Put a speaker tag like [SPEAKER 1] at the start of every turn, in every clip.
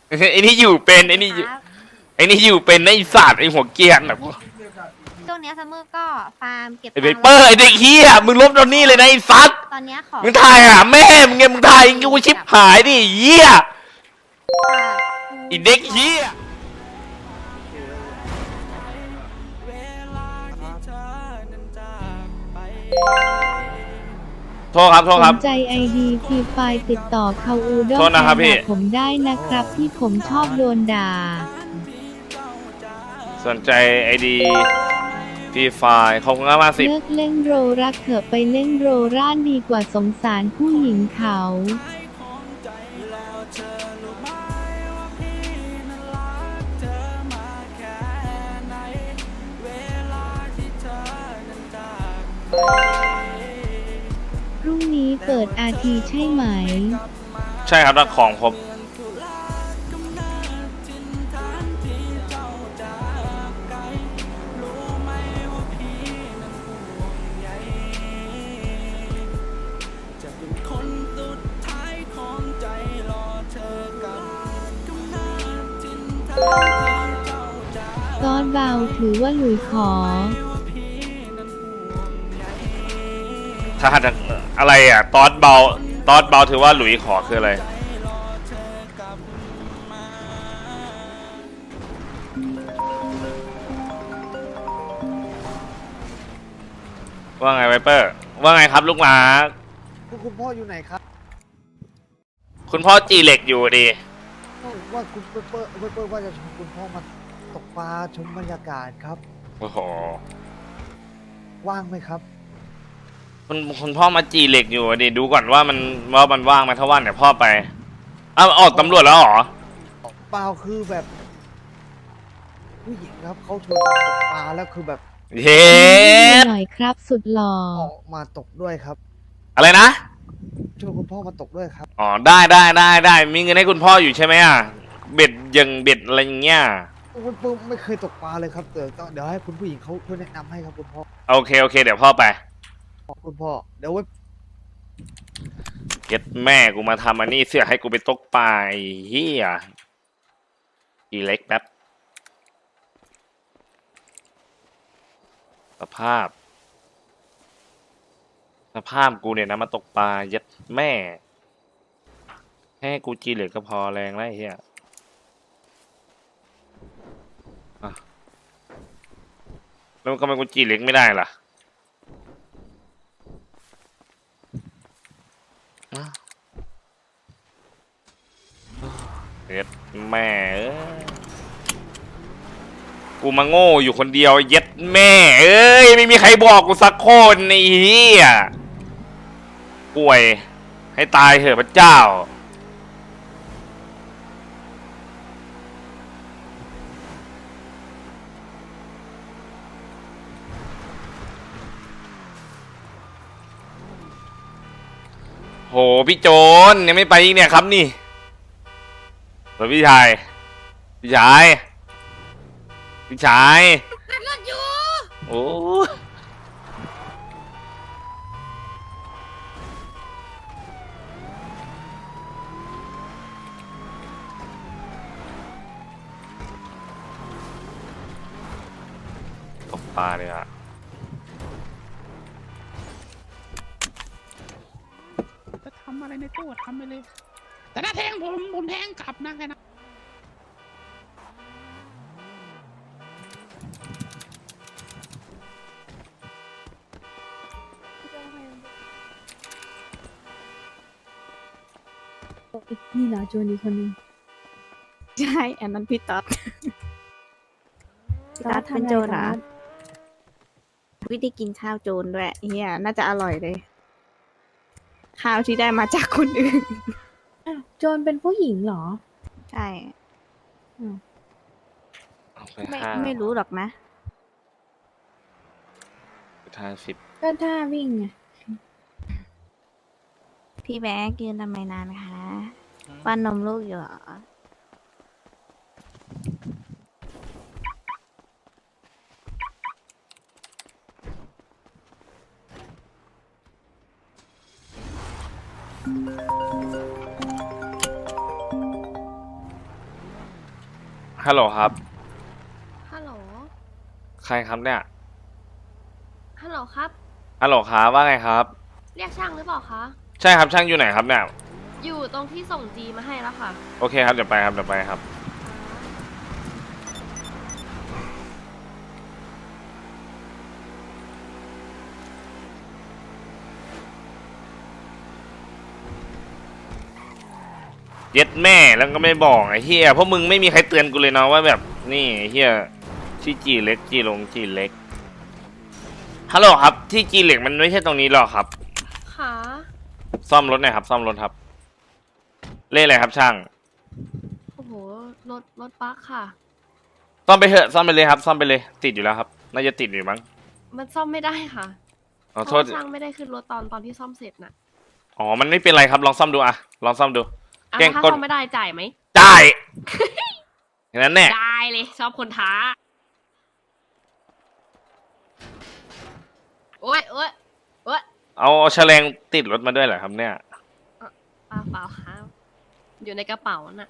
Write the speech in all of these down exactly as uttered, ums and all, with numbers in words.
[SPEAKER 1] ไอ้นี่อยู่เป็นไอ้นี่ไอ้นี่อยู่เป็นไอ้ศาสตร์ไอ้หัวเกียร์แบบ
[SPEAKER 2] ช่วงนี้ซัมเมอร์ก็ฟาร์มเก็บ
[SPEAKER 1] ไอ้เปอร์ไอ้เด็กเฮียมึงลบตอนนี้เลยนะไอ้ซัด
[SPEAKER 2] ตอนนี้ขอ
[SPEAKER 1] มึงถ่ายหาแม่มึงไงมึงถ่ายกูชิบหายดิเฮียไอ้เด็กเฮียโทษครับโทษครับ
[SPEAKER 3] สนใจไอดีทีไฟติดต่อเขาอูด้งผมได้นะครับที่ผมชอบโดนด่า
[SPEAKER 1] สนใจไอดีฟรีไฟเขาเงินมาสิ
[SPEAKER 3] เลิกเล่นโรรักเถอะไปเล่นโรร่านดีกว่าสงสารผู้หญิงเขาพรุ่งนี้เปิดอาทีใช่ไหม
[SPEAKER 1] ใช่ครับถ้าของครบ
[SPEAKER 3] ตอนเบาถือว่าหลุยขอ
[SPEAKER 1] ถ้าจะอะไรอ่ะตอดเบาตอดเบาถือว่าหลุยขอคืออะไรว่าไงไวเปอร์ว่าไงครับลูกหมา
[SPEAKER 4] คุณพ่ออยู่ไหนครับ
[SPEAKER 1] คุณพ่อจีเหล็กอยู่ดี
[SPEAKER 4] ว่าคุณเปเปอร์เปเปอร์ว่าจะชวนคุณพ่อมาตกปลาชมบรรยากาศครับ
[SPEAKER 1] โอ้โห
[SPEAKER 4] ว่างไหมครับ
[SPEAKER 1] คุณคุณพ่อมาจีเหล็กอยู่ดิดูก่อนว่ามันว่ามันว่างไหมถ้าว่างเดี๋ยวพ่อไปอ้าวออกตำรวจแล้วเหรอ
[SPEAKER 4] เปล่าคือแบบผู้หญิงครับเขาชวนมาตกปลาแล้วคือแบบ
[SPEAKER 1] เฮ้
[SPEAKER 3] หน่อยครับสุดหล่อ
[SPEAKER 4] ออกมาตกด้วยครับ
[SPEAKER 1] อะไรนะ
[SPEAKER 4] ชวนคุณพ่อมาตกด้วยครับ
[SPEAKER 1] อ๋อได้ได้ได้ได้มีเงินให้คุณพ่ออยู่ใช่ไหมอ่ะเบ็ดยังเบ็ดอะไรอย่างเงี้ย
[SPEAKER 4] คุณพ่อไม่เคยตกปลาเลยครับเดี๋ยวเดี๋ยวให้คุณผู้หญิงเขาช่วยแนะนำให้ครับคุณพ่อ
[SPEAKER 1] โอเคโอเคเดี๋ยวพ่อไป
[SPEAKER 4] คุณพ่อเดี๋ยวไว้
[SPEAKER 1] เก็ตแม่กูมาทำอันนี้เสียให้กูไปตกปลาเฮียอีเล็กแป๊บสภาพสภาพกูเนี่ยนะมาตกปลายัดแม่ให้กูจีเหล็กก็พอแรงแล้วเฮียแล้วก็มันกูจีเหล็กไม่ได้ล่ะเย็ดแม่กูมาโง่อยู่คนเดียวเย็ดแม่เอ้ยไม่มีใครบอกกูสักคนไอ้เหี้ยป่วยให้ตายเถอะพระเจ้าโหพี่โจนยังไม่ไปอีกเนี่ยครับนี่พี่ชายพี่ชายพี่ชายโอ้ตกปลาเลยอะ
[SPEAKER 5] จะทำอะไรในตู้ทำไปเลยแต่ถ้าแทงผมผมแทงกลับนะแค่นั้น
[SPEAKER 6] นี่เหรอโจนอีกคนนึง
[SPEAKER 2] ใช่อันนั้นพี่ต๊อดพี่ต๊อดเป็นโจรเหรอวิธีกินข้าวโจรด้วยเฮียน่าจะอร่อยเลยข้าวที่ได้มาจากคนอื่น
[SPEAKER 6] โจนเป็นผู้หญิงเหรอ
[SPEAKER 2] ใช่ไม่ไม่รู้หรอกนะ
[SPEAKER 1] ท่าสิบ
[SPEAKER 6] ก็ท่าวิ่งไง
[SPEAKER 2] พี่แบ๊กยืนทำไมนานคะป้อนนมลูกอยู่เหรอ
[SPEAKER 1] ฮัลโหลครับ
[SPEAKER 7] ฮัลโหล
[SPEAKER 1] ใครครับเนี่ย
[SPEAKER 7] ฮัลโหลครับ
[SPEAKER 1] ฮัลโหลครับว่าไงครับ
[SPEAKER 7] เรียกช่างหรือเปล่าคะ
[SPEAKER 1] ใช่ครับช่างอยู่ไหนครับเนี่ย
[SPEAKER 7] อยู่ตรงที่ส่งจีมาให้แล้วค่ะ
[SPEAKER 1] โอเคครับเดี๋ยวไปครับเดี๋ยวไปครับ เย็ดแม่แล้วก็ไม่บอกไอ้เฮียเพราะมึงไม่มีใครเตือนกูเลยเนาะว่าแบบนี่ไอ้เฮียที่จีเล็กจีลงจีเล็กฮัลโหลครับที่จีเล็กมันไม่ใช่ตรงนี้หรอกครับ
[SPEAKER 7] ค่ะ
[SPEAKER 1] ซ่อมรถหน่อยครับ ซ่อมรถครับ เลขอะไรครับช่าง
[SPEAKER 7] โอ้โห รถ รถบัคค่ะ
[SPEAKER 1] ซ่อมไปเถอะซ่อมไปเลยครับ ซ่อมไปเลยติดอยู่แล้วครับ น่าจะติดอยู่มั้ง
[SPEAKER 7] มันซ่อมไม่ได้ค่ะ
[SPEAKER 1] ขอ
[SPEAKER 7] เพ
[SPEAKER 1] โท
[SPEAKER 7] ราะ
[SPEAKER 1] ษ
[SPEAKER 7] ว่าช่างไม่ได้ขึ้นรถตอนตอนที่ซ่อมเสร็จน่ะ
[SPEAKER 1] อ๋อมันไม่เป็นไรครับลองซ่อมดูอะลองซ่อมดู
[SPEAKER 7] อ่ะ
[SPEAKER 1] แกล้ง
[SPEAKER 7] ถ้าก
[SPEAKER 1] ด
[SPEAKER 7] ซ่อมไม่ได้จ่ายไหม
[SPEAKER 1] ได้อย่างนั้นแน่
[SPEAKER 7] ได้เลย ชอบคนท้า โอ้ยโอ้ยโอ้ย
[SPEAKER 1] เอาเอาแฉลงติดรถมาด้วยเหรอครับเนี่ย
[SPEAKER 7] เปล่าเปล่าครับอยู่ในกระเป๋าน่ะ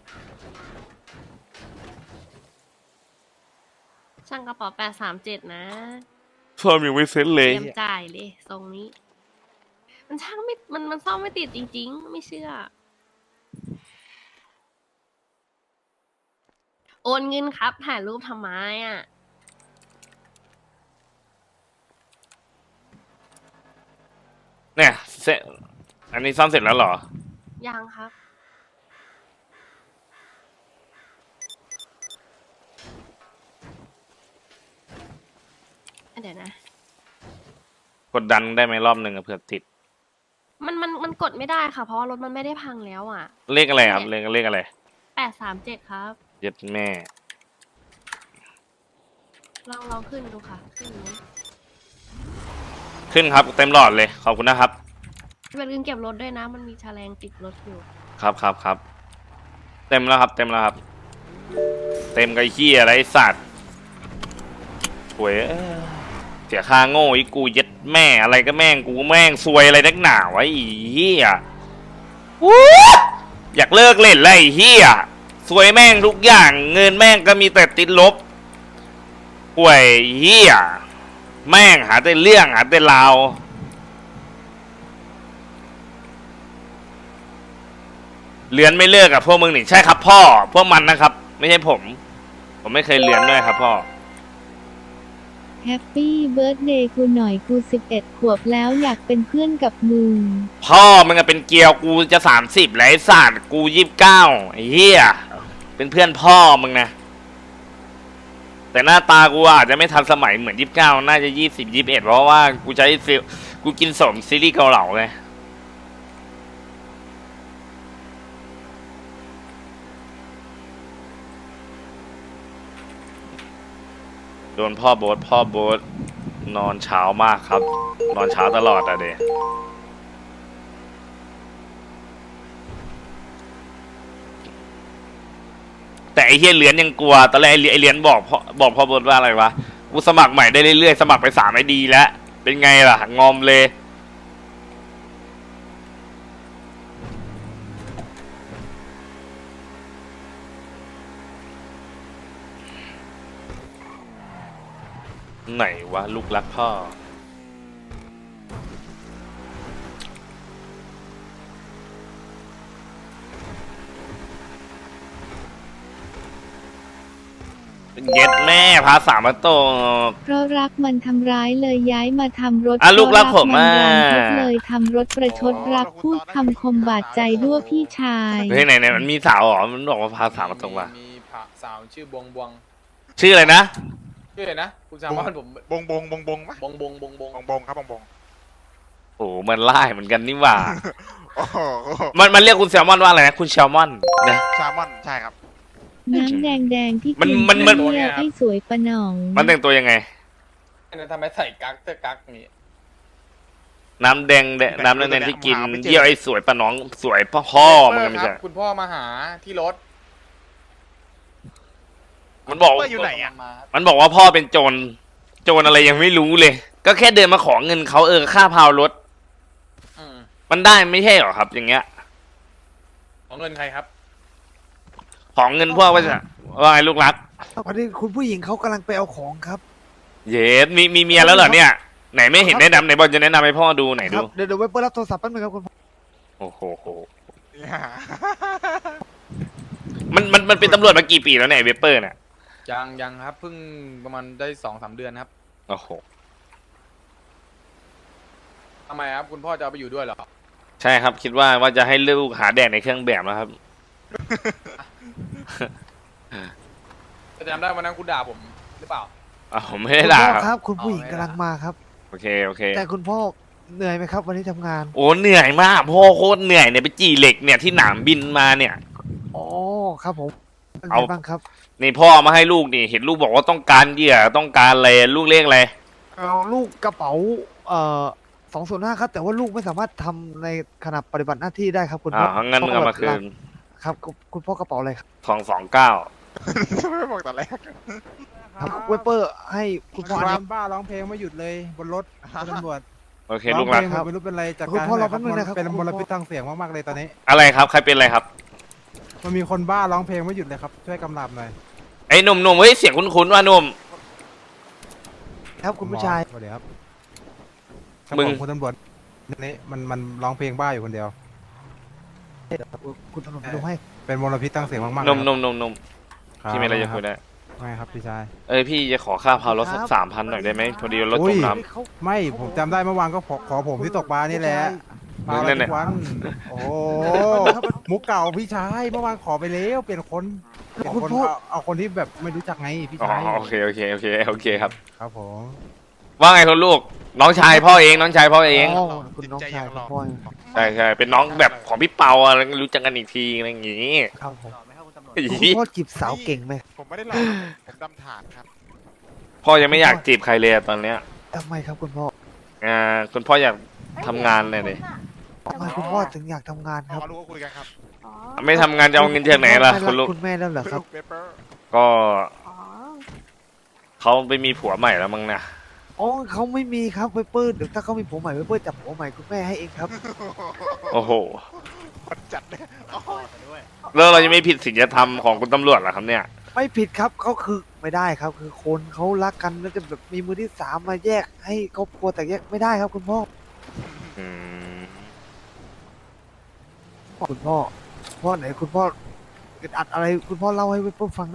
[SPEAKER 7] ช่างกระเป๋าแปดสามเจ็ดนะ
[SPEAKER 1] ซ่อมยังไม่เซ็ตเล
[SPEAKER 7] เต
[SPEAKER 1] ย
[SPEAKER 7] รียมจ่ายเลยทรงนี้ มันช่างไม่ มันมันซ่อมไม่ติดจริงๆ ไม่เชื่อ โอนเงินครับ ถ่ายรูปทำไมอ่ะ
[SPEAKER 1] เนี่ยเสร็จอันนี้ซ่อมเสร็จแล้วเหรอ
[SPEAKER 7] ยังครับ เดี๋ยวนะ
[SPEAKER 1] กดดันได้ไหมรอบหนึ่งอะเผื่อติด
[SPEAKER 7] มันมันมันกดไม่ได้ค่ะ เพราะว่ารถมันไม่ได้พังแล้วอ่ะ
[SPEAKER 1] เลขอะไรครับเลขเลขอะไร
[SPEAKER 7] แปดสามเจ็ดครับ
[SPEAKER 1] เย็ดแม่
[SPEAKER 7] ลองลองขึ้นดูค่ะ ขึ้นไหม
[SPEAKER 1] ขึ้นครับเต็มหลอดเลยขอบคุณนะครับ
[SPEAKER 7] อย่าลืมเก็บรถด้วยนะ มันมีแฉลงติดรถอยู่
[SPEAKER 1] ครับครับครับเต็มแล้วครับ เต็มแล้วครับ เต็มกับไอ้ขี้ยอะไรไอ้สัตว์ถวยเอ้ยเสียค่าโง่อีกูเย็ดแม่อะไรก็แม่งกูแม่งซวยอะไรนักหนาวะไอ้เหี้ยวู้อยากเลิกเล่นเลยไอ้เหี้ยซวยแม่งทุกอย่างเงินแม่งก็มีแต่ติดลบป่วยเหี้ยแม่งหาแต่เรื่องหาแต่ราวเลือนไม่เลิกกับพวกมึงนี่ใช่ครับพ่อพวกมันนะครับ ไม่ใช่ผม ผมไม่เคยเลือนด้วยครับพ่อ
[SPEAKER 3] แฮปปี้เบิร์ดเดย์กูหน่อยกูสิบเอ็ดขวบแล้วอยากเป็นเพื่อนกับมึง
[SPEAKER 1] พ่อมึงอะเป็นเกลียวกูจะสามสิบแล้วไอ้สัตว์กูยี่สิบเก้าไอ้เหี้ยเป็นเพื่อนพ่อมึงนะแต่หน้าตากูอาจจะไม่ทันสมัยเหมือนยี่สิบเก้าน่าจะยี่สิบยี่สิบเอ็ดเพราะว่ากูใช้ซิลกูกินสมซีรีส์เกาเหลาไงโดนพ่อโบ๊ทพ่อโบ๊ทนอนเช้ามากครับ นอนเช้าตลอดอะเดแต่ไอ้เฮียเหรียญยังกลัวตอนแรกไอ้เหรียญบอกพ่อบอกพ่อโบ๊ทว่าอะไรวะกูสมัครใหม่ได้เรื่อยๆสมัครไปสามไอดีแล้วเป็นไงล่ะงอมเลยไหนวะลูกรักพ่อเย็ดแม่พาสามมาตก
[SPEAKER 3] เพราะรักมันทำร้ายเลยย้ายมาทำรถ
[SPEAKER 1] อ่ะลูกรักผม
[SPEAKER 3] เพราะรักมัน
[SPEAKER 1] อ่ะ
[SPEAKER 3] รันทดเลยทำรถประชดรักพูดคำคมบาดใจด้วยพี่ชาย
[SPEAKER 1] เฮ้ยไหนไหนมันมีสาวเหรอมันบอกว่าพาสามมาตกว่ะ
[SPEAKER 8] มีพระสาวชื่อบวงบวง
[SPEAKER 1] ชื่ออะไรนะ
[SPEAKER 8] ชื่ออะไรนะคุณแซมมอนผม
[SPEAKER 9] บงบงบงบงปะ
[SPEAKER 8] บงบงบงบง
[SPEAKER 9] บงบงครับบงบง
[SPEAKER 1] โอ้โหมันไล่เหมือนกันนี่หว่า
[SPEAKER 9] โอ้โห
[SPEAKER 1] มันมันเรียกคุณแซลมอนว่าอะไรนะคุณแซลมอนนะ
[SPEAKER 9] แซลมอนใช่ครับ
[SPEAKER 3] น้ำแดงแดงๆที่
[SPEAKER 1] มัน
[SPEAKER 3] กิน
[SPEAKER 1] มันมัน
[SPEAKER 3] เที่ยวไอ้สวยปะหนอง
[SPEAKER 1] มันแต่งตัวยังไง
[SPEAKER 8] เนี่ยทำไมใส่กั๊กเตอร์กั๊กนี้
[SPEAKER 1] น้ำแดงแดงน้ำแดงๆที่กินเยี่ยวไอ้สวยปะน้องสวยพ่อพ่อมึงอะไม่
[SPEAKER 8] ค
[SPEAKER 1] ใช่
[SPEAKER 8] รับคุณพ่อมาหาที่รถ
[SPEAKER 1] มันบอก
[SPEAKER 9] เปิ้ลอยู่ไหนอะ
[SPEAKER 8] มา
[SPEAKER 1] มันบอกว่าพ่อเป็นโจรโจรอะไรยังไม่รู้เลย ก็แค่เดินมาขอเงินเขาเออค่าพาวรถ
[SPEAKER 8] อืม
[SPEAKER 1] มันได้ไม่ใช่หรอครับ อย่างเงี้ย
[SPEAKER 8] ของเงินใครครับ
[SPEAKER 1] ของเงินพวกว่าจะว่าไงลูกรัก
[SPEAKER 4] พอดีคุณผู้หญิงเขากำลังไปเอาของครับ
[SPEAKER 1] เย็ดมีมีเมียแล้วเหรอเนี่ยไหนไม่เห็นแนะนำไหนบอลจะแนะนำให้พ่อดูไหน
[SPEAKER 4] ค
[SPEAKER 1] ดู
[SPEAKER 4] รับเดี๋ยวเดี๋ยวไว้เปิดรับโทรศัพท์แป๊บนึงครับคุณพ่อ
[SPEAKER 1] โอ้โหโห
[SPEAKER 9] เนี่ย
[SPEAKER 1] มันมันมันเป็นตำรวจมากี่ปีแล้วเนี่ยไอ้เวเปอร์เนี่ย
[SPEAKER 8] ยังยังครับเพิ่งประมาณได้สองสามเดือนครับ
[SPEAKER 1] โอ้โห
[SPEAKER 8] ทำไมครับคุณพ่อจะเอาไปอยู่ด้วยเหรอ
[SPEAKER 1] ใช่ครับคิดว่าว่าจะให้ลูกหาแดกในเครื่องแบบแล้วครับ
[SPEAKER 8] จะจำได้วันนั้นคุณด่าผมหรือเปล่า
[SPEAKER 1] อ้าวไม่ได้ด่า
[SPEAKER 4] คุณพ่อ
[SPEAKER 1] ค
[SPEAKER 4] ครับ รับ คุณผู้หญิง
[SPEAKER 8] อ๋อไม่
[SPEAKER 4] กำ
[SPEAKER 8] ได้
[SPEAKER 4] ลังมาครับ
[SPEAKER 1] โอเคโอเค
[SPEAKER 4] แต่คุณพ่อเหนื่อยไหมครับ วันนี้ทำงาน
[SPEAKER 1] โอ้เหนื่อยมากพ่อโคตรเหนื่อยเนี่ยไปจีเหล็กเนี่ยที่หนามบินมาเนี่ย
[SPEAKER 4] อ๋อครับผมเป็น
[SPEAKER 1] เอา
[SPEAKER 4] ไงบ้างครับ
[SPEAKER 1] นี่พ่อเอามาให้ลูกนี่เห็นลูกบอกว่าต้องการเหยื่อต้องการอะไรลูกเรียกอะไร
[SPEAKER 4] เอาลูกกระเป๋าเอ่อสองส่วนห้าครับ แต่ว่าลูกไม่สามารถทำในขณะปฏิบัติหน้าที่ได้ครับ คุณพ่
[SPEAKER 1] อ่า
[SPEAKER 4] อ
[SPEAKER 1] งั้นมึงเอามาคืน
[SPEAKER 4] ครับคุณคุณพ่อกระเป๋าอะไรครับ
[SPEAKER 1] สองสองเก้า
[SPEAKER 9] ไม่บอกตอนแรก
[SPEAKER 4] ครับเวเปอร์ให้คุณพ่อ
[SPEAKER 10] ค
[SPEAKER 4] อัน
[SPEAKER 10] น
[SPEAKER 4] นี้
[SPEAKER 10] บ้าร้องเพลงไม่หยุดเลยบนรถคุณตำรวจ
[SPEAKER 1] โอเคลูกรัก
[SPEAKER 10] ร้องเพลงไม่รู้เป็นไรจัด
[SPEAKER 4] คุณ
[SPEAKER 10] การ
[SPEAKER 4] พ่อรอ
[SPEAKER 10] ให้
[SPEAKER 4] แป๊บนึงนะครับ
[SPEAKER 10] เป็น
[SPEAKER 4] คุณ
[SPEAKER 10] ม
[SPEAKER 4] พ่อ
[SPEAKER 10] ลพิษทางเสียงมากๆเลยตอนนี้
[SPEAKER 1] อะไรครับใครเป็นอะไรครับ
[SPEAKER 10] มันมีคนบ้าร้องเพลงไม่หยุดเลยครับช่วยกำลับหน่อย
[SPEAKER 1] ไอ้หนุ่มหนุ่มเฮ้ยเสียงคุ้นๆว่าหนุ่ม
[SPEAKER 4] ครับคุณผู้ชาย
[SPEAKER 10] สวัสดีครับ
[SPEAKER 1] มึง
[SPEAKER 10] ครับผคุณตำรวจนี่มันมันร้องเพลงบ้าอยู่คนเดียว
[SPEAKER 4] คุณตำรวจดูให้
[SPEAKER 10] เป็นมลพิษทางเสียงมากๆ
[SPEAKER 1] หนุ่ม
[SPEAKER 10] เลย
[SPEAKER 1] หนุ่มหนุ่มหนุ่ม
[SPEAKER 10] ครับ
[SPEAKER 1] พี่มีอะไรจะคุยได้
[SPEAKER 10] ไม่ครับพี่ชาย
[SPEAKER 1] เอ้ยพี่จะขอค่าพารถสักสามพันหน่อยได้ไหมพอดีรถ
[SPEAKER 10] อุ้
[SPEAKER 1] จ
[SPEAKER 10] ย
[SPEAKER 1] มน้
[SPEAKER 4] เขา
[SPEAKER 10] ไม่ผมจำได้เมื่อวานก็ขอขอผมที่ตกปลานี่แหละปลา
[SPEAKER 1] นั่นแห
[SPEAKER 10] ทุ
[SPEAKER 1] ละ
[SPEAKER 10] กวันโอ้โหมุกเก่าพี่ชายเมื่อวานขอไปแล้วเปลี่ยนคนเปลี่ยน
[SPEAKER 4] คุณ
[SPEAKER 10] คน
[SPEAKER 4] พ่อ
[SPEAKER 10] เอาเอาคนที่แบบไม่รู้จักไงพี่
[SPEAKER 1] ำอ๋อ
[SPEAKER 10] ชาย
[SPEAKER 1] โอเคโอเคโอเคโอเคครับ
[SPEAKER 10] ครับผม
[SPEAKER 1] ว่าไงคุณลูกน้องชายพ่อเองน้องชายพ่อเอง
[SPEAKER 4] อ๋อคุณน้องชายคุณพ่อ
[SPEAKER 1] ใช่ใช่เป็นน้องแบบของพี่เปาอะไรรู้จักกันอีกทีอะไรอย่างงี้
[SPEAKER 4] ครับผม
[SPEAKER 1] อี
[SPEAKER 4] คุณพ่อจีบสาวเก่งไหม
[SPEAKER 9] ผมไม่ได้หลอกผมดำถาดครับ
[SPEAKER 1] พ่อยังไม่อยากจีบใครเลยอะตอนเนี้ย
[SPEAKER 4] ทำไมครับคุณพ่อ
[SPEAKER 1] อ่าคุณพ่ออยากทำงานเลยดิ
[SPEAKER 4] ทำไมคุณพ่อถึงอยากทำงาน
[SPEAKER 9] พ
[SPEAKER 4] ครับ
[SPEAKER 9] อรู้ก็คุยกันครับ
[SPEAKER 1] ไม่ทำงานจะเอาเงินจากไหนล่ะ
[SPEAKER 4] ไม่
[SPEAKER 1] คุณ
[SPEAKER 4] รั
[SPEAKER 1] ลู
[SPEAKER 4] ก
[SPEAKER 1] ก
[SPEAKER 4] คุณแม่แล้วเหรอครับ
[SPEAKER 9] เปเปอร์
[SPEAKER 1] ก็เขาไปมีผัวใหม่แล้วมั้งนะ
[SPEAKER 4] อ๋อเขาไม่มีครับเวเปอร์เดี๋ยวถ้าเขามีผัวใหม่เวเปอร์จับผัวใหม่คุณแม่ให้เองครับ
[SPEAKER 1] โอ้โห
[SPEAKER 9] คนจัดเลยอ๋อ
[SPEAKER 1] แล้วเรายังไม่ผิดศีลธรรมของคุณตำรวจเหรอครับเนี่ย
[SPEAKER 4] ไม่ผิดครับเขาคือไม่ได้ครับ คือคนเขารักกันแล้วจะแบบมีมือที่สามมาแยกให้ครอบครัวแต่แยกไม่ได้ครับคุณพ่อ
[SPEAKER 1] อืม
[SPEAKER 4] คุณพ่อพ่อไหนคุณพ่ออึดอัดอะไรคุณพ่อเล่าให้เวเปอร์ฟังได้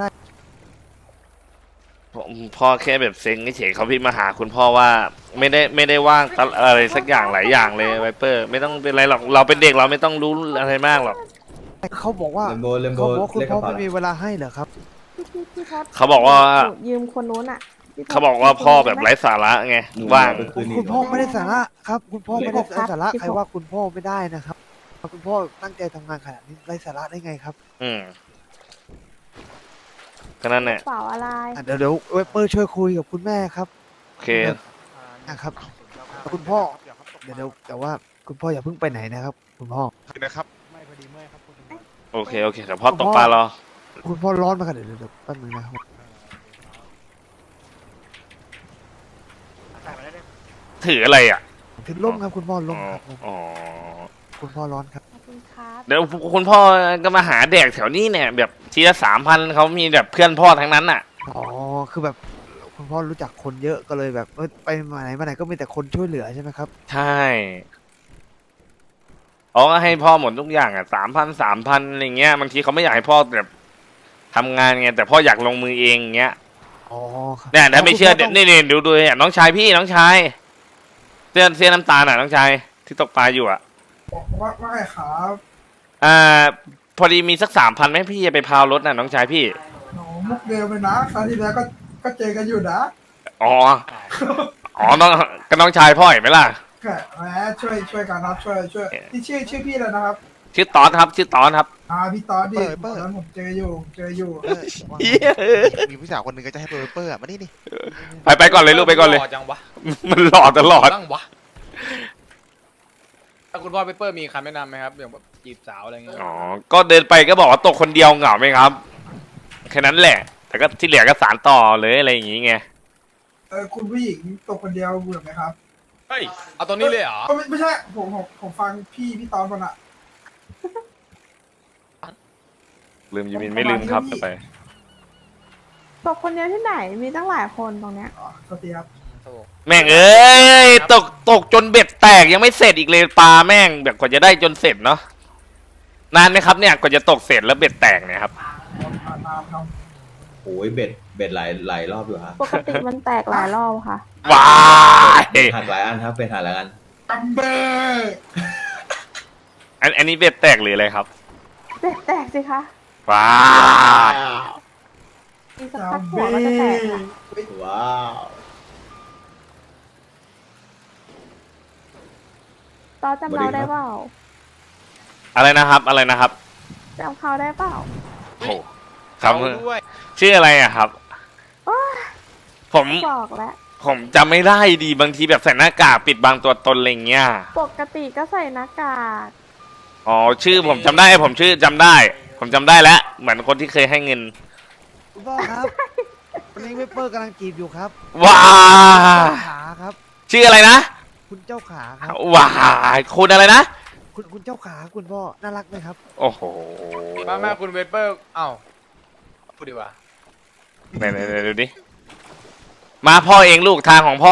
[SPEAKER 1] ผมพ่อแค่แบบเซ็งเฉยๆเขาพี่มาหาคุณพ่อว่าไม่ได้ไม่ได้ว่างตะอะไรสักอย่างหลายอย่างเลยไวเปอร์ ไม่ต้องเป็นไรหรอกเราเป็นเด็กเราไม่ต้องรู้อะไรมากหรอก
[SPEAKER 4] เขาบอกว่า
[SPEAKER 11] เลมโบเลมโบ
[SPEAKER 4] เขาบอกว่าคุณ
[SPEAKER 11] เรียกก
[SPEAKER 4] พ่อ
[SPEAKER 11] ระเป๋า
[SPEAKER 4] ไม่มีเวลาให้เหรอครับ
[SPEAKER 2] พี่พี่พอด
[SPEAKER 1] เขาบอกว่า
[SPEAKER 2] ยืมคนนู้นอ่ะพี่พด
[SPEAKER 1] เขาบอกว่าพ่อแบบไร้สาระไง
[SPEAKER 11] หนู
[SPEAKER 1] ว่าง
[SPEAKER 11] เอไปคืนอีก
[SPEAKER 4] คุณพ่อไม่ได้สาระครับ คุณพ่อไม่ได้
[SPEAKER 2] สิบหกครับ
[SPEAKER 4] สาระ
[SPEAKER 2] สิบหก
[SPEAKER 4] ใครว่าคุณพ่อไม่ได้นะครับ คุณพ่อตั้งใจทำงานขนาดนี้ไร้สาระได้ไงครับ
[SPEAKER 1] อืมก็นั่นแหละ
[SPEAKER 2] เปล่าอะไร
[SPEAKER 4] อ่ะเดี๋ยวเดี๋ยวเวเปอร์ช่วยคุยกับคุณแม่ครับ
[SPEAKER 1] โอเค
[SPEAKER 4] นะครับ คุณพ่อ เดี๋ยวเดี๋ยวแต่ว่าคุณพ่ออย่าเพิ่งไปไหนนะครับ คุณพ่อ
[SPEAKER 9] นะครับ
[SPEAKER 10] ไม่พอดีเมื่อยครับคุณตำรวจ
[SPEAKER 1] โอเคโอเคเดี๋ยวพ่อตกปลารอ
[SPEAKER 4] คุณพ่อร้อนมากครับเดี๋ยวเดี๋ยวเดี๋ยวแป๊บนึงนะครับ
[SPEAKER 1] ถืออะไรอ่ะ
[SPEAKER 4] ถึงล่มครับคุณพ่อล่ม
[SPEAKER 1] อ๋อ
[SPEAKER 4] ครับล่ม
[SPEAKER 1] อ๋อ
[SPEAKER 4] คุณพ่อร้อนครับ
[SPEAKER 2] ขอบคุณครับ
[SPEAKER 1] เดี๋ยวคุณพ่อก็มาหาแดกแถวนี้เนี่ย แบบทีละสามพันเขามีแบบเพื่อนพ่อทั้งนั้นอ่ะ
[SPEAKER 4] อ๋อคือแบบคุณพ่อรู้จักคนเยอะก็เลยแบบเออไปมาไหนมาไหนก็มีแต่คนช่วยเหลือใช่ไหมครับ
[SPEAKER 1] ใช่อ๋อก็ให้พ่อหมดทุกอย่างอ่ะสามพันสามพันอะไรเงี้ยบางทีเขาไม่อยากให้พ่อแบบทำงานไงแต่พ่ออยากลงมือเองเงี้ย
[SPEAKER 4] อ๋อครับ
[SPEAKER 1] เนี่ยถ้าไม่เชื่อ
[SPEAKER 4] คุณพ่
[SPEAKER 1] เดี๋ยว
[SPEAKER 4] ต้ง
[SPEAKER 1] นี่นี่ดูดูเนี่ยน้องชายพี่น้องชายเสื้อเสื้อน้ำตาลอ่ะน้องชายที่ตกปลาอยู่อ่ะ
[SPEAKER 10] ว่าว่าไงครับ
[SPEAKER 1] อ่า พอดีมีสักสามพันไหมพี่จะไปพาวรถน่ะน้องชายพี่
[SPEAKER 10] หนูมุกเดิมเลยนะครั้งที่แล้วก็ก็เจอกันอยู่นะ
[SPEAKER 1] อ๋อ อ๋อน้องก็น้องชายพ่อเห็นไหมล่ะ
[SPEAKER 10] แค่แหมช่วยช่วยกันครับช่วยช่วยที่ชื่อชื่อพี่เลยนะครับ
[SPEAKER 1] ชื่อตอนครับชื่อตอนครับ
[SPEAKER 10] อ่าพี่ตอดดิ
[SPEAKER 9] เปิดเปิด
[SPEAKER 10] ตอนนั้นผมเจออยู่เจออยู่
[SPEAKER 9] เออมีผู้สาวคนหนึ่งก็จะให้เปเปอร์อะมานี่นี่
[SPEAKER 1] ไปไปก่อนเลยลูกไปก่อนเลย
[SPEAKER 8] หจังวะ
[SPEAKER 1] มันหล่อตลอด
[SPEAKER 8] ตั้งวะถ้าคุณพ่อเปเปอร์มีคำแนะนำไหมครับอย่างแบบจีบสาวอะไรเงี้ย
[SPEAKER 1] อ๋อ ก็เดินไปก็บอกว่าตกคนเดียวเหงาไหมครับ แค่นั้นแหละ แต่ก็ที่เหลือก็สารต่อเลยอะไรอย่างงี้ไง
[SPEAKER 10] เออคุณผู้หญิงตกคนเดียวเบื่อไหมครับ
[SPEAKER 8] เฮ้ยเอาตัวนี้เลยเหรอ
[SPEAKER 10] ไม่ไม่ใช่ผมผมผมฟังพี่พี่ตอนคนอะ
[SPEAKER 1] ลืมยูมินไม่ลืมครับไป
[SPEAKER 2] ตกคนเดียวที่ไหนมีตั้งหลายคนตรงเนี้ย
[SPEAKER 1] แม่งเอ้ยตกตกจนเบ็ดแตกยังไม่เสร็จอีกเลยปลาแม่งแบบกว่าจะได้จนเสร็จเนาะนานไหมครับเนี่ยกว่าจะตกเสร็จแล้วเบ็ดแตกเนี่ยครับ
[SPEAKER 11] โอ้ยเบ็ดเบ็ดหลายหลายรอบอยู่ครับ
[SPEAKER 2] ปกติมันแตกหลายรอบค่ะ
[SPEAKER 1] ว้าย
[SPEAKER 11] หักหลายอันครับเป็นหักหลายอัน
[SPEAKER 1] อันอันนี้เบ็ดแตกหรืออะไรครับ
[SPEAKER 2] เบ็ดแตกสิคะ
[SPEAKER 1] ว้าย
[SPEAKER 2] มีสักพักหัวมันจะแตกค่ะ
[SPEAKER 11] ว้าว
[SPEAKER 2] ตอนจำเราได้เปล่า
[SPEAKER 1] อะไรนะครับอะไรนะครับ
[SPEAKER 2] จำเขาได้เปล่า
[SPEAKER 1] โอ้ครับ
[SPEAKER 8] เอาด้วย
[SPEAKER 1] ชื่ออะไรอะครับ
[SPEAKER 2] โอ๊ย
[SPEAKER 1] ผม
[SPEAKER 2] บอกแล้ว
[SPEAKER 1] ผมจำไม่ได้ดีบางทีแบบใส่หน้ากากปิดบังตัวตนอะไรเงี้ย
[SPEAKER 2] ปกติก็ใส่หน้ากาก
[SPEAKER 1] อ๋อชื่อผมจำได้ผมชื่อจำได้ ผมจำได้แล้วเหมือนคนที่เคยให้เงิน
[SPEAKER 4] คุณพ่อครับวันนี้เวเปอร์กำลังจีบอยู่ครับ
[SPEAKER 1] ว้า
[SPEAKER 4] เจ้าขาครับ
[SPEAKER 1] ชื่ออะไรนะ
[SPEAKER 4] คุณเจ้าขาครับ
[SPEAKER 1] ว้าคุณอะไรนะ
[SPEAKER 4] คุณคุณเจ้าขาคุณพ่อน่ารักไหมครับ
[SPEAKER 1] โอ้โห
[SPEAKER 8] มาแม่คุณเวเปอร์เอ้าพูดดีกว่า
[SPEAKER 1] ไหนไหนไหนดูดิ มาพ่อเองลูกทางของพ่อ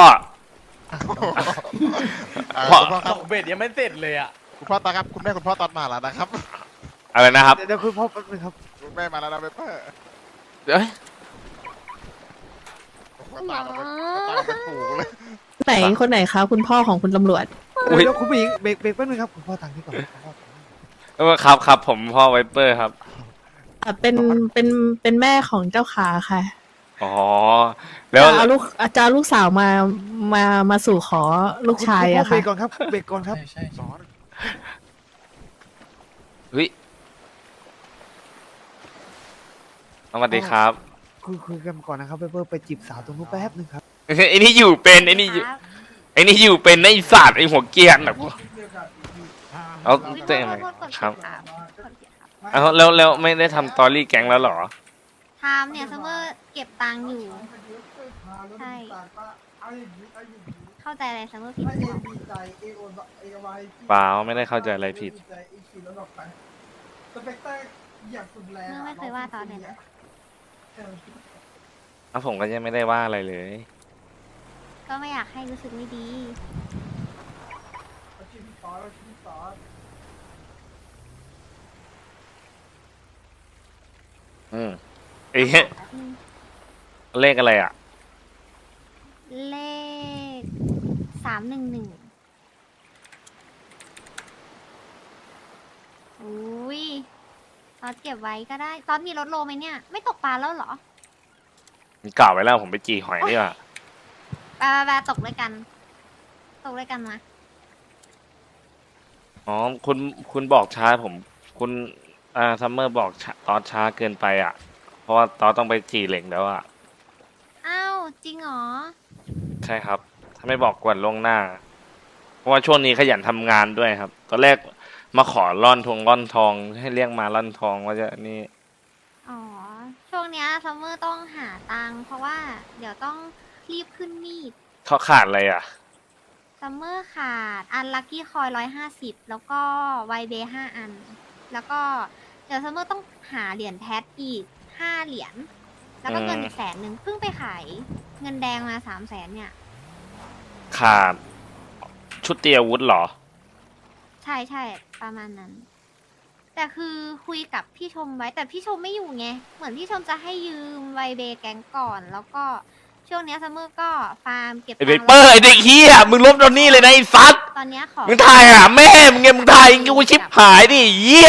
[SPEAKER 9] อ่า
[SPEAKER 1] พ่อ
[SPEAKER 9] คุณพ่อค
[SPEAKER 8] ต
[SPEAKER 9] รับ
[SPEAKER 8] กเบ็ดยังไม่เสร็จเลยอ่ะ
[SPEAKER 9] คุณพ่อตอนครับคุณแม่คุณพ่อตอนมาแล้วนะครับ
[SPEAKER 1] อะไรนะครับ
[SPEAKER 4] เดี๋ยวเดี๋ยวคุณพ่อแป๊บนึงครับ
[SPEAKER 9] คุณแม่มาแล้วนะเปเปอร์
[SPEAKER 1] เอ้ย
[SPEAKER 9] ตามมาเป็นตามมาเป็นฝูงเลย
[SPEAKER 12] ไหนคนไหนคะคุณพ่อของคุณตำรวจ
[SPEAKER 1] อุ๊ย
[SPEAKER 4] เดี๋ยวคุณผู้หญิงเบรกเบรกแป๊บนึงครับคุณพ่อทางนี้ก่อนคุณพ่อ
[SPEAKER 1] เออครับครับผมพ่อไวเปอร์ครับ
[SPEAKER 12] อ่ะเป็นเป็นเป็นแม่ของเจ้าขาค่ะ
[SPEAKER 1] อ๋อ แล้ว
[SPEAKER 12] จะเอาลูกจะเอาลูกสาวมามามาสู่ขอลูกชายอะ
[SPEAKER 4] ณพ่อเบร
[SPEAKER 12] ค่ะ
[SPEAKER 4] กก่อนครับเบรกก่อนครับสอน
[SPEAKER 1] เฮ้ยสวัสดีครับ
[SPEAKER 4] คุยคุยกันก่อนนะครับเวเปอร์ไปจีบสาวตรงนู้นแป๊บนึงครับ
[SPEAKER 1] ไอ้นี่อยู่เป็นไอ้นี่อยู่
[SPEAKER 7] ครับ
[SPEAKER 1] ไอ้นี่อยู่เป็นไอ้ศาสตร์ไอ้หัวเกรียนแบบเอาเต้นไหม
[SPEAKER 7] โทษกด
[SPEAKER 1] ครับ
[SPEAKER 7] ผิดครับกดผิดครับ
[SPEAKER 1] เอาแล้วแล้วไม่ได้ทำตอรี่แก๊งแล้วเหรอ
[SPEAKER 7] ทำเนี่ยซัมเมอร์เก็บตังค์อยู่ ใช่ เข้าใจอะไรซัมเมอร์ผิดหรือเปล่า
[SPEAKER 1] เปล่าไม่ได้เข้าใจอะไรผิด
[SPEAKER 7] เมื่อไม่เคยว่าตอนเลยนะ
[SPEAKER 1] แล้วผมก็ยังไม่ได้ว่าอะไรเลย
[SPEAKER 7] ก็ไม่อยากให้รู้สึกไม่ดี
[SPEAKER 1] อืมเอ๊ะเลขอะไรอ่ะ
[SPEAKER 7] เลขสามหนึ่งหนึ่งอุ้ยตอนเก็บไว้ก็ได้ ตอนมีรถโลไหมเนี่ย ไม่ตกปลาแล้วเหรอ
[SPEAKER 1] มันกล่าวไว้แล้วผมไปจีหอยนี่ว่ะ
[SPEAKER 7] ไปไปไปตกด้วยกัน ตกด้วยกันมา
[SPEAKER 1] อ๋อคุณคุณบอกช้าผม คุณอ่าซัมเมอร์บอกช้าตอนช้าเกินไปอ่ะ เพราะว่าตอนต้องไปจีเหล็กแล้วอ่ะ
[SPEAKER 7] อ้าว จริงเหรอ
[SPEAKER 1] ใช่ครับ ถ้าไม่บอกก่อนล่วงหน้า เพราะว่าช่วงนี้ขยันทำงานด้วยครับ ตอนแรกมาขอร่อนทงร่อนทอง ให้เรียกมาร่อนทองว่าจะนี่
[SPEAKER 7] อ๋อ ช่วงเนี้ยซัมเมอร์ต้องหาตังค์เพราะว่าเดี๋ยวต้องรีบขึ้นมีด
[SPEAKER 1] เขาขาดอะไรอ่ะ
[SPEAKER 7] ซัมเมอร์ขาด อันลัคกี้คอยร้อยห้าสิบแล้วก็ไวเบห้าอัน แล้วก็เดี๋ยวซัมเมอร์ต้องหาเหรียญแพทอีกห้าเหรียญ แล้วก็เงิน
[SPEAKER 1] อืม
[SPEAKER 7] อีกแสนหนึ่งเพิ่งไปขายเงินแดงมาสามแสนเนี่ย
[SPEAKER 1] ขาดชุดเตรียมอาวุธเหรอ
[SPEAKER 7] ใช่ใช่ประมาณนั้น แต่คือคุยกับพี่ชมไว้ แต่พี่ชมไม่อยู่ไง เหมือนพี่ชมจะให้ยืมไวเบแก๊งก่อน แล้วก็ช่วงเนี้ยซัมเมอร์ก็ฟาร์มเก็บ
[SPEAKER 1] ไอเบ
[SPEAKER 7] ตังค์
[SPEAKER 1] เปอร์ไอเด็กเฮียมึงลบตอนนี้เลยนะไอ้ซัด
[SPEAKER 7] ตอนเนี้ยขอ
[SPEAKER 1] มึงถ่ายอ่ะแม่มึงไงมึงถ่ายกูชิบหายดิเฮีย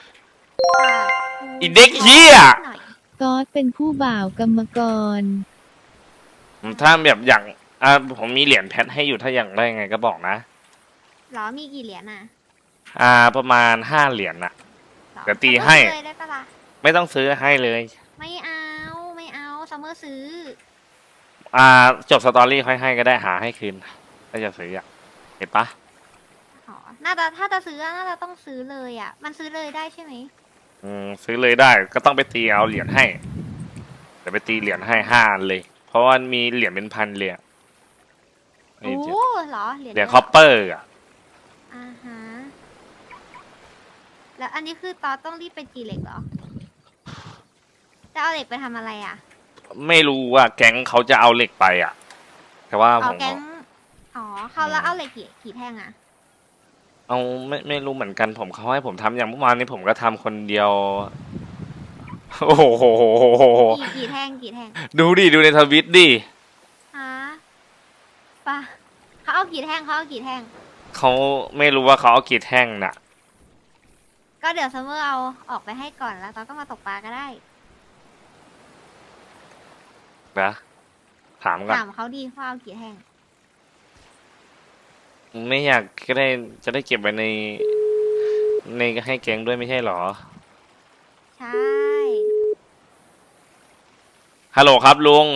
[SPEAKER 1] อีเด็กเหี้ย
[SPEAKER 7] หน่อย
[SPEAKER 3] ก๊อตเป็นผู้บ่าวกรรมกร
[SPEAKER 1] ถ้าแบบอย่างอ่าผมมีเหรียญแพทให้อยู่ถ้าอย่างได้ไงก็บอกนะ
[SPEAKER 7] เหรอมีกี่เหรียญอ่ะ
[SPEAKER 1] อ่าประมาณห้าเหรียญน่ะ
[SPEAKER 7] หรอ
[SPEAKER 1] เดี๋ยวตีให้
[SPEAKER 7] ซัมเมอร์ซื้อเลยได้ปะล่ะ
[SPEAKER 1] ไม่ต้องซื้อให้เลย
[SPEAKER 7] ไม่เอาไม่เอาซัมเมอร์ซื้อ
[SPEAKER 1] อ่าจบสตอรี่ค่อยให้ก็ได้หาให้คืนถ้าจะซื้ออ่ะเห็นปะ
[SPEAKER 7] อ๋อ น่าจะถ้าจะซื้อน่าจะต้องซื้อเลยอ่ะ มันซื้อเลยได้ใช่ไหม
[SPEAKER 1] อืมซื้อเลยได้ก็ต้องไปตีเอาเหรียญให้เดี๋ยวไปตีเหรียญให้ห้าอันเลย เพราะว่ามีเหรียญเป็นพันเลยอะ
[SPEAKER 7] โอ้
[SPEAKER 1] นี่
[SPEAKER 7] เหรอ เหรียญ
[SPEAKER 1] เหรียญ
[SPEAKER 7] เยะ
[SPEAKER 1] คอปเปอร์อ่ะ
[SPEAKER 7] อ่าฮะ แล้วอันนี้คือตอต้องรีบไปจีเหล็กเหรอ จะเอาเหล็กไปทำอะไรอ่ะ
[SPEAKER 1] ไม่รู้ว่าแก๊งเขาจะเอาเหล็กไปอ่ะ แต่ว่าผ
[SPEAKER 7] เอา
[SPEAKER 1] ม
[SPEAKER 7] แก๊งอ๋อเขาแล้วเอาเหล็กกี่กี่แท่งอะ
[SPEAKER 1] เอาไม่ไม่รู้เหมือนกันผมเขาให้ผมทำอย่างเมื่อวานนี้ผมก็ทำคนเดียว โอ้โห
[SPEAKER 7] กี่กี่แท่งกี่แท่ง
[SPEAKER 1] ดูดิดูในทวิตดิ
[SPEAKER 7] ฮะปะเขาเอากี่แท่งเขาเอากี่แท่ง
[SPEAKER 1] เขาไม่รู้ว่าเขาเอากี่แท่งน่ะ
[SPEAKER 7] ก็เดี๋ยวซัมเมอร์เอาออกไปให้ก่อนแล้วตอนก็มาตกปลาก็ได้
[SPEAKER 1] นะถามก่อน
[SPEAKER 7] ถามเขาดีว่าเอากี่แท่ง
[SPEAKER 1] ไม่อยากก็ได้จะได้เก็บไว้ใน ในให้แก๊งด้วยไม่ใช่หรอ
[SPEAKER 7] ใช่
[SPEAKER 1] ฮัลโหลครับลุง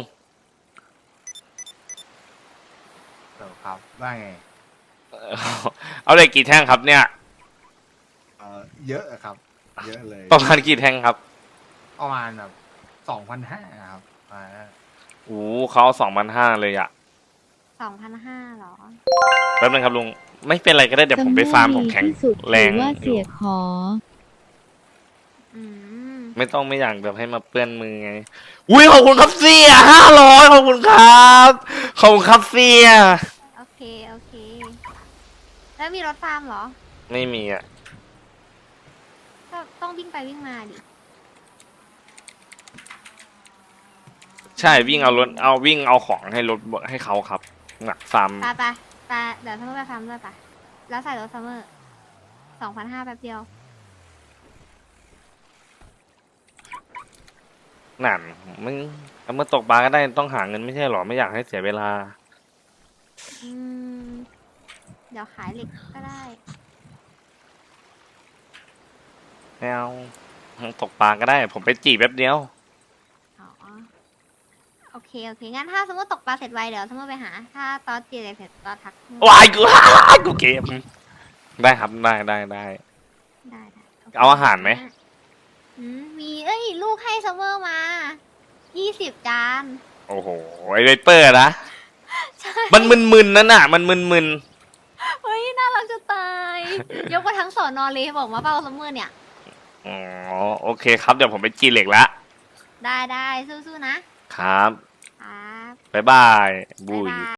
[SPEAKER 10] เออครับว่าไง
[SPEAKER 1] เอาเหล็กกี่แท่งครับเนี่ย
[SPEAKER 10] เออเยอะอะครับ เยอะเลย
[SPEAKER 1] ประมาณกี่แท่งครับ
[SPEAKER 10] ประมาณแบบสองพันห้าครับอ่า
[SPEAKER 1] โอ้เขาสองพันห้าเลยอ่ะ
[SPEAKER 7] สองพันห้าหรอ
[SPEAKER 1] แป๊บนึงครับลุง ไม่เป็นไรก็ได้เดี๋ยวผมไปฟาร์มผมแข็ง
[SPEAKER 3] ที่สุด
[SPEAKER 1] แรง
[SPEAKER 3] ถือว่า
[SPEAKER 1] อ
[SPEAKER 3] เสี
[SPEAKER 1] ยู่
[SPEAKER 3] ยขอ
[SPEAKER 7] อืม
[SPEAKER 1] ไม่ต้องไม่อยากแบบให้มาเปื้อนมือไง อุ้ยขอบคุณครับเสียห้าร้อยขอบคุณครับ ขอบคุณครับเสีย
[SPEAKER 7] โอเค โอเค แล้วมีรถฟาร์มเหรอ
[SPEAKER 1] ไม่มีอ่ะ
[SPEAKER 7] ก็ต้องวิ่งไปวิ่งมาดิ
[SPEAKER 1] ใช่วิ่งเอารถเอาวิ่งเอาของให้รถให้เขาครับหนักฟาร์ม
[SPEAKER 7] ไปไปไปเดี๋ยวซัมเมอร์ไปฟาร์มด้วยไปแล้วใส่รถซัมเมอร์สองพันห้าแป๊บเดียว
[SPEAKER 1] นั่นมึงเอามื่อตกปลาก็ได้ต้องหาเงินไม่ใช่หรอไม่อยากให้เสียเวลา
[SPEAKER 7] อืม เดี๋ยวขายเหล็กก็ได้
[SPEAKER 1] ไม่เอาตกปลาก็ได้ ผมไปจีบแป๊บเดียว
[SPEAKER 7] อ๋อ โอเค โอเค งั้นถ้าสมมติตกปลาเสร็จไวเดี๋ยวสมมติไปหา ถ้าตอนจีอะไรเสร็จตอนทัก
[SPEAKER 1] วายกู กูเกมได้ครับได้ได้ได้
[SPEAKER 7] ได้ได้โค
[SPEAKER 1] เอาอาหารไหม
[SPEAKER 7] อืมมี เอ้ย ลูกให้ซัมเมอร์มา ยี่สิบจาน
[SPEAKER 1] โอ้โหไอไวเปอร์นะ
[SPEAKER 7] ใช่
[SPEAKER 1] มันมึนๆนั่นน่ะ มันมึน
[SPEAKER 7] เฮ้ย น่ารักจะตาย ยกมาทั้งสอนอเลยบอกมาเปล่าซัมเมอร์เนี่ย
[SPEAKER 1] ๆอ๋อโอเคครับเดี๋ยวผมไปจีเหล็กละ
[SPEAKER 7] ได้ได้สู้ๆนะ
[SPEAKER 1] ครับ
[SPEAKER 7] ครับ
[SPEAKER 1] บ๊ายบายบุ
[SPEAKER 7] บ๊าย
[SPEAKER 1] ย
[SPEAKER 7] บาย